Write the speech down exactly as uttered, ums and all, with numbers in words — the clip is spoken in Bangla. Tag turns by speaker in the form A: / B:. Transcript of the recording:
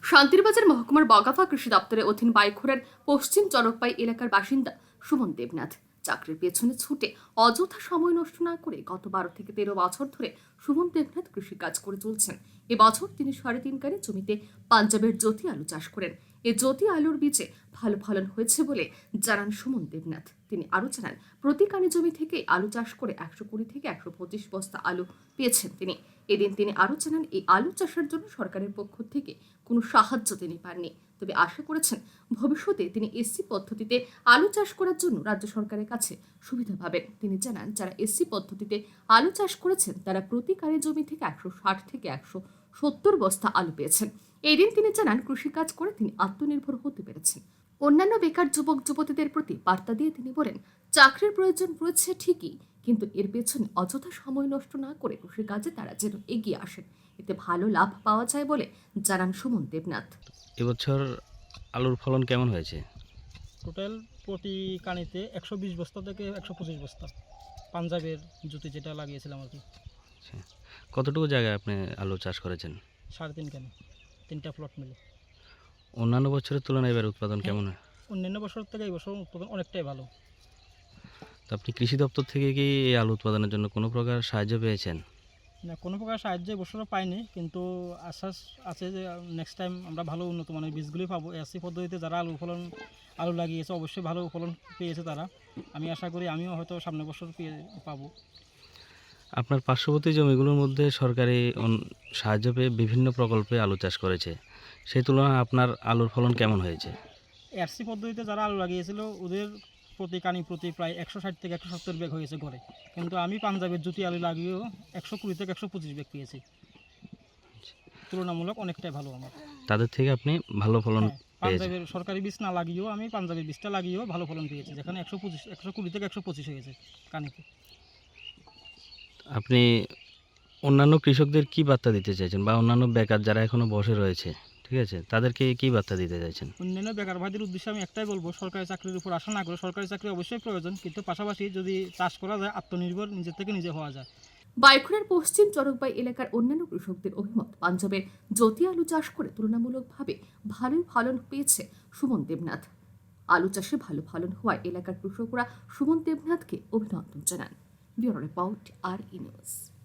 A: শান্তিরবাজার মহকুমার বগাফা কৃষি দপ্তরের অধীন বাইখোড়ার পশ্চিম চরকপাই এলাকার বাসিন্দা সুমন দেবনাথ চাকরির পেছনে ছুটে অযথা সময় নষ্ট না করে গত বারো থেকে তেরো বছর ধরে সুমন দেবনাথ কৃষিকাজ করে চলছেন। এবছর তিনি সাড়ে তিন কারে জমিতে পাঞ্জাবের জ্যোতি আলু চাষ করেন। এই জ্যোতি আলুর বীজে ভালো ফলন হয়েছে বলে জানান সুমন দেবনাথ। তিনি আরও জানান, প্রতি কানি জমি থেকে আলু চাষ করে একশো কুড়ি থেকে একশো পঁচিশ বস্তা আলু পেয়েছেন তিনি। এদিন তিনি আরও জানান, এই আলু চাষের জন্য সরকারের পক্ষ থেকে কোনো সাহায্য তিনি পাননি, তবে আশা করেছেন ভবিষ্যতে তিনি এসসি পদ্ধতিতে আলু চাষ করার জন্য রাজ্য সরকারের কাছে সুবিধা পাবেন। তিনি জানান, যারা এসসি পদ্ধতিতে আলু চাষ করেছেন তারা প্রতি কারি জমি থেকে একশো ষাট থেকে একশো সত্তর বস্তা আলু পেয়েছেন। এই দিন তিনি জানান, কৃষিকাজ করে তিনি আত্মনির্ভর হতে পেরেছেন। অন্যান্য বেকার যুবক যুবতীদের প্রতি বার্তা দিয়ে তিনি বলেন, চাকরির প্রয়োজন রয়েছে ঠিকই, কিন্তু এর পেছনে অযথা সময় নষ্ট না করে কৃষিকাজে তারা যেন এগিয়ে আসেন, এতে ভালো লাভ পাওয়া যায় বলে জানান সুমন দেবনাথ।
B: এবছর আলুর ফলন কেমন হয়েছে?
C: টোটাল প্রতি কানিতে একশো বিশ বস্তা থেকে একশো পঁচিশ বস্তা পাঞ্জাবের জুতি যেটা লাগিয়েছিলাম আর কি।
B: আচ্ছা, কতটুকু জায়গায় আপনি আলু চাষ করেছেন?
C: সাড়ে তিন কানি, তিনটা প্লট মিলে।
B: অন্যান্য বছরের তুলনায় এবার উৎপাদন কেমন হয়?
C: অন্যান্য বছর থেকে এই বছর উৎপাদন অনেকটাই ভালো।
B: তো আপনি কৃষি দপ্তর থেকে কি এই আলু উৎপাদনের জন্য কোনো প্রকার সাহায্য পেয়েছেন?
C: না, কোনো প্রকার সাহায্য এবছরও পাইনি, কিন্তু আশ্বাস আছে যে নেক্সট টাইম আমরা ভালো উন্নত মানের বীজগুলি পাবো। এসসি পদ্ধতিতে যারা আলু ফলন আলু লাগিয়েছে অবশ্যই ভালো ফলন পেয়েছে তারা। আমি আশা করি আমিও হয়তো সামনের বছর পেয়ে পাবো।
B: আপনার পার্শ্ববর্তী জমিগুলোর মধ্যে সরকারি সাহায্য পেয়ে বিভিন্ন প্রকল্পে আলু চাষ করেছে, সেই তুলনায় আপনার আলুর ফলন কেমন হয়েছে?
C: এসসি পদ্ধতিতে যারা আলু লাগিয়েছিল ওদের প্রতি কানি প্রতি প্রায় একশো ষাট থেকে একশো সত্তর ব্যাগ হয়েছে ঘরে, কিন্তু আমি পাঞ্জাবের জুতি আলু লাগিয়েও একশো কুড়ি থেকে একশো পঁচিশ ব্যাগ পেয়েছি। তুলনামূলক অনেকটাই ভালো আমার।
B: তাদের থেকে আপনি ভালো ফলন
C: হ্যাঁ,
B: পেয়েছেন?
C: পাঞ্জাবের সরকারি বীজ না লাগিয়েও আমি পাঞ্জাবের বীজটা লাগিয়েও ভালো ফলন পেয়েছি, যেখানে একশো পঁচিশ একশো কুড়ি থেকে একশো পঁচিশ হয়েছে কানিতে।
B: আপনি অন্যান্য কৃষকদের কি বার্তা দিতে চাইছেন, বা অন্যান্য বেকার যারা এখনো বসে রয়েছে, ঠিক আছে, তাদেরকে কি বার্তা দিতে চাইছেন?
C: অন্যান্য বেকার ভাইদের উদ্দেশ্যে আমি একটাই বলবো, সরকারি চাকরির উপর আশা না করে, সরকারি চাকরি অবশ্যই প্রয়োজন, কিন্তু পাশাপাশি যদি চাষ করা যায় আত্মনির্ভর নিজের থেকে নিজে হওয়া যায়।
A: বাইখোড়ার পশ্চিম চরকবাই এলাকার অন্যান্য কৃষকদের অভিমত, পাঞ্জাবের জ্যোতি আলু চাষ করে তুলনামূলকভাবে ভালোই ফলন পেয়েছে সুমন দেবনাথ। আলু চাষে ভালো ফলন হওয়ায় এলাকার কৃষকরা সুমন দেবনাথকে অভিনন্দন জানান। Bureau report, R E news.